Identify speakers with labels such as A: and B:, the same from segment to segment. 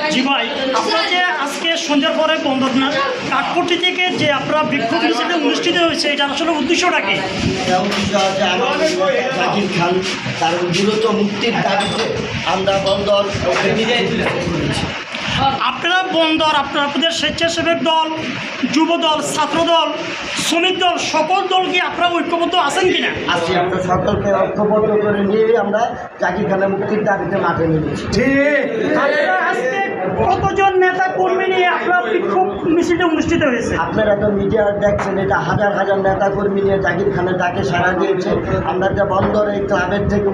A: জি ভাই, আপনারা যে আজকে সন্ধ্যার পরে বন্দরনাথ কাঠপট্টি থেকে যে আপনারা বিক্ষোভ মিছিল অনুষ্ঠিত হয়েছে, এটা আসলে উদ্দেশ্যটা কি?
B: জাকির খান তার দ্রুত মুক্তির দাবিতে আমরা বন্দর করেছি।
A: আপনারা বন্দর আপনাদের স্বেচ্ছাসেবক দল, যুব দল, ছাত্র দল, শ্রমিক দল, সকল দল কি আপনারা ঐক্যবদ্ধ আছেন কিনা?
B: আজকে আমরা সকলকে ঐক্যবদ্ধ করে নিয়ে আমরা জাকির খানের মুক্তির দাবিতে মাঠে নেমেছি।
A: আপনারা আজকে কতজন নেতা কর্মী নিয়ে আপনার বিক্ষোভ মিছিলটা অনুষ্ঠিত হয়েছে?
B: আপনারা তো মিডিয়া দেখছেন, এটা হাজার হাজার নেতা কর্মী নিয়ে জাকির খানের ডাকে সাড়া দিয়েছে। আমরা যে বন্দর এই ক্লাবের থেকে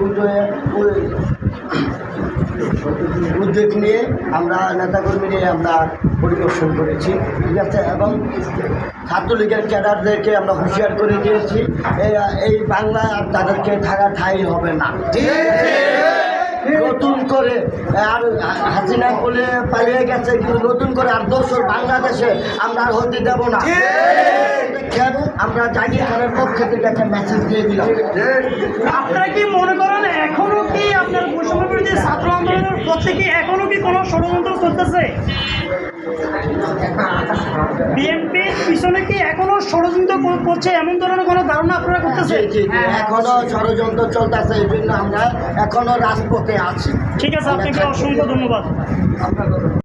B: উদ্যোগ নিয়ে আমরা নেতাকর্মী নিয়ে আমরা পরিদর্শন করেছি, ঠিক আছে। এবং ছাত্রলীগের ক্যাডারদেরকে আমরা হুঁশিয়ার করে দিয়েছি, এই বাংলা আর তাদেরকে থাকা ঠাঁই হবে না, ঠিক আছে। নতুন করে আর হাসিনা বলে পালিয়ে গেছে, কিন্তু নতুন করে আর দোসর বাংলাদেশে আমরা আর হতে দেব না। আমরা জাকির খানের পক্ষ থেকে একটা মেসেজ দিয়ে দিলাম।
A: আপনারা কি মনে করেন এখনো কি আপনার বৈষম্য বিরোধী ছাত্র আন্দোলনের প্রত্যেকে এখনো কি কোনো ষড়যন্ত্র চলতেছে? বিএনপির পিছনে কি এখনো ষড়যন্ত্র করছে এমন ধরনের কোনো ধারণা আপনারা করতেছে?
B: এখনো ষড়যন্ত্র চলতেছে, এই জন্য আমরা এখনো রাজপথে আছি।
A: ঠিক আছে, আপনাকে অসংখ্য ধন্যবাদ।